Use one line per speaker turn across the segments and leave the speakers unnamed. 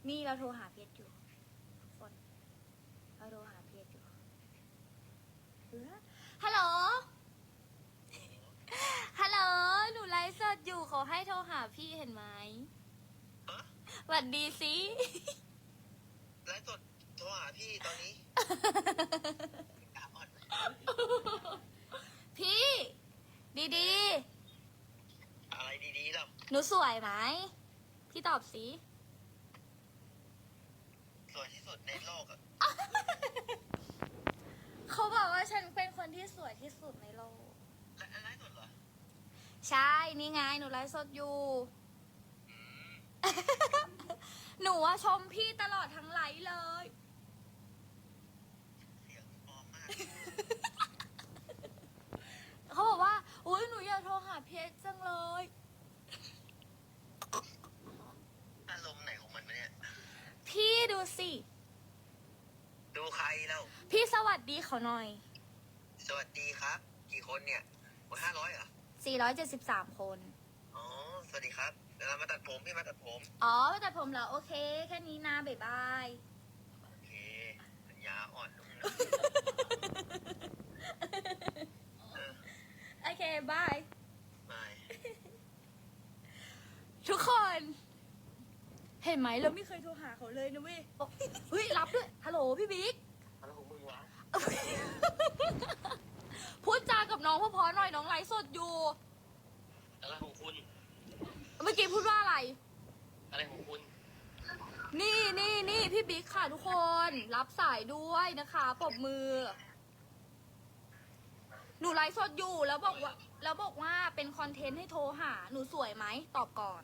นี่เราโทรหาเพชรอยู่ทุกคนเราโทรหาเพชรอยู่ฮัลโหลฮัลโหลหนูไลฟ์สดอยู่ขอให้โทรหาพี่เห็นไหมสวัสดีสิ
ไลฟ์สดโทรหาพี่ตอนนี้
พี่ดี
อะไรดีๆหรอ
ๆหนูสวยไหมพี่ตอบสิ
สวยที่สุดในโลกอ่ะ
เขาบอกว่าฉันเป็นคนที่สวยที่สุดในโลก
ไลฟ์สดเหรอ
ใช่นี่ไงหนูไลฟ์สดอยู่ หนูอะชมพี่ตลอดทั้งไลฟ์เลย
เสียงปลอมมาก
เขาบอกว่าอุ้ยหนูอยากโทรหาเพชรจังเลย
อารมณ์ไหนของมันเนี่ย
พี่ดูสิ
ดูใครแล้ว
พี่สวัสดีเขาหน่อย
สวัสดีครับ กี่คนเนี่ย500เหรอ
473 คน
อ๋อ สวัสดีครับเดี๋ยวเรามาตัดผมพี่มาตัดผม
อ๋อแต่ผมเหรอโอเค แค่นี้นะบ๊ายบาย
โอเคปัญญาอ่อนนุ่มนะ
โอเคบาย
ไม่
ทุกคน เห็นไหมเราไม่เคยโทรหาเขาเลยนะเว้ยบอกเฮ้ยรับด้วยฮัลโหลพี่บิ๊ก
อะไรของมึงวะ
พูดจากับน้องพอๆหน่อยน้องไลฟ์สดอยู่
อะไรของคุณ
เมื่อกี้พูดว่าอะไร
อะไรของคุณ
นี่พี่บิ๊กค่ะทุกคนรับสายด้วยนะคะปรบมือ หนูไลฟ์สดอยู่แล้วบอกว่าเป็นคอนเทนต์ให้โทรหาหนูสวยไหมตอบก่อน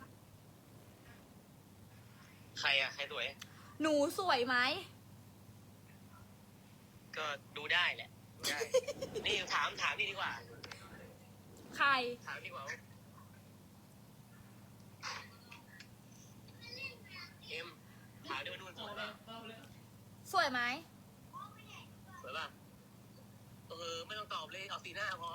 ใครอ่ะ ใครสวย
หนูสวยไหม
ก็ดูได้แหละ ดูได้ นี่ถามนี่ดีกว่า
ใคร
ถามดีกว่าเอ็มถามดิว่านุ่นสวยป่ะ
สวยไหม
สวยป่ะไม่ต้องตอบเลยเอาสีหน้าพอ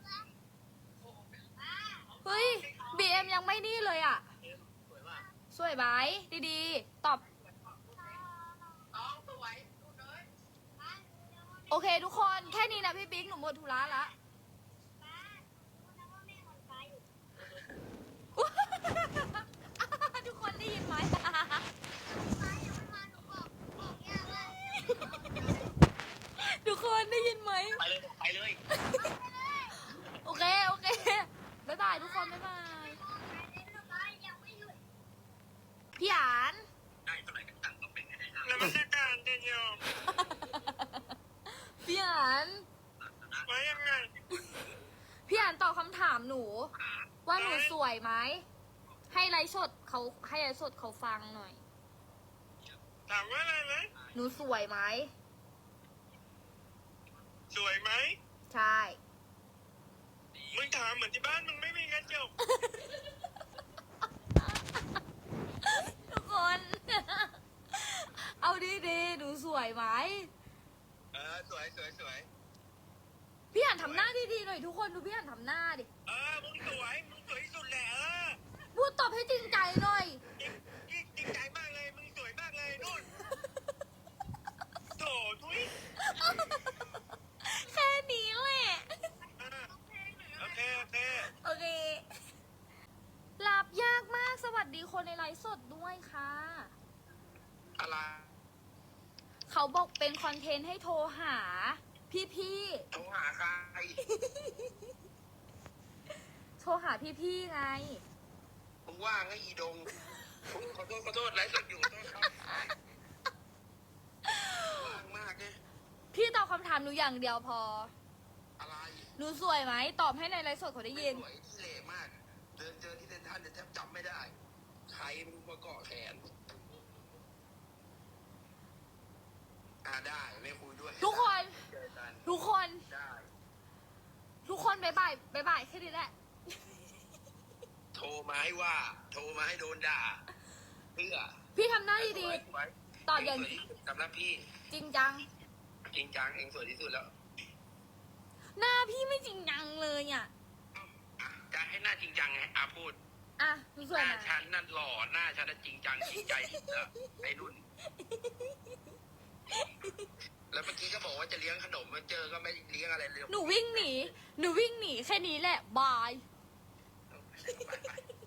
เฮ้ยบีเอ็มยังไม่นี่เลยอ่ะ
เอ็มสวยป่ะ
สวยไหมดีๆ ตอบ
สวย
โอเคทุกคนแค่นี้นะพี่บิ๊กหนูหมดธุระละ ทุกคนได้ยินไหม ทุกคนได้ยินไหม
ไปเลยไปเลย
โอเคบ๊ายบายทุกคนบ๊ายบายพี่หยาน
ได้เท่าไหร่ก็ตังค์ก็เป็นไงแล้วมันจะการเดียว
พี่หยาน
ว่ายังไง
พี่หยานตอบคำถามหนู ว่าหนูสวยไหมให้ไลฟ์สดเขาฟังหน่อย
ถามว่าอะไรไหม
หนูสวยไหม
สวยไหม
ใช่
มึงถามเหมือนที่บ้านมึงไม่มีกระจก
ทุกคน เอาดีๆหนูสวยไหม
สวย
พี่หันทำหน้าดีๆหน่อยทุกคนดูพี่หันทำหน้าดิ
มึงสวยที่สุดแหละ
พูดตอบให้จริงใจหน่อย
จริงใจมากเลย มึงสวยมากเลยนู่นโถทุย
แค่นี้แหละ
โอเค
โอเครับยากมากสวัสดีคนในไลฟ์สดด้วยค่ะ
อะไร
เขาบอกเป็นคอนเทนต์ให้โทรหา พี่
โทรหาใคร
ๆโทรหาพี่ๆไง
มึงว่างไอ้อีดงขอโทษไลฟ์สดอยู่โทษครับว่างมากเนี่ย
พี่ตอบคำถามหนูอย่างเดียวพอ
อะไร
หนูสวยไหมตอบให้ในไลฟ์สดเขาได้ยิน
สวยที่เละมาก เดินเจอที่เซนทรัลเนี่ยแทบจำไม่ได้ ใครมึงมาเกาะแขนได้ไม่คุยด้วย
ทุกคน
เจอกัน
ทุกคน
ได้
ทุกคนบ๊ายบายแค่นี้แหละ
โทรมาให้ว่า โทรมาให้โดนด่า เพื่อ
พี่ทำหน้าดี
สวย
ๆตอบอย่าง
เงสวยที่สุดสำหรับพี่
จริงจัง
จริงจังเองสวยที่สุดแล้ว
หน้าพี่ไม่จริงจังเลยอ่ะ
อ่ะจะให้หน้าจริงจังไงพูด
อ่ะหนูส
ห
วย
น้า
ไหม
ฉันนั่นหล่อหน้าฉันน่ะจริงจังจริงใจที่สุดแล้วไอ้นุ่น แล้วเมื่อกี้ก็บอกว่าจะเลี้ยงขนมมาเจอก็ไม่เลี้ยงอะไรเลย
หนูวิ่งหนีแค่นี้แหละ บาย
ไป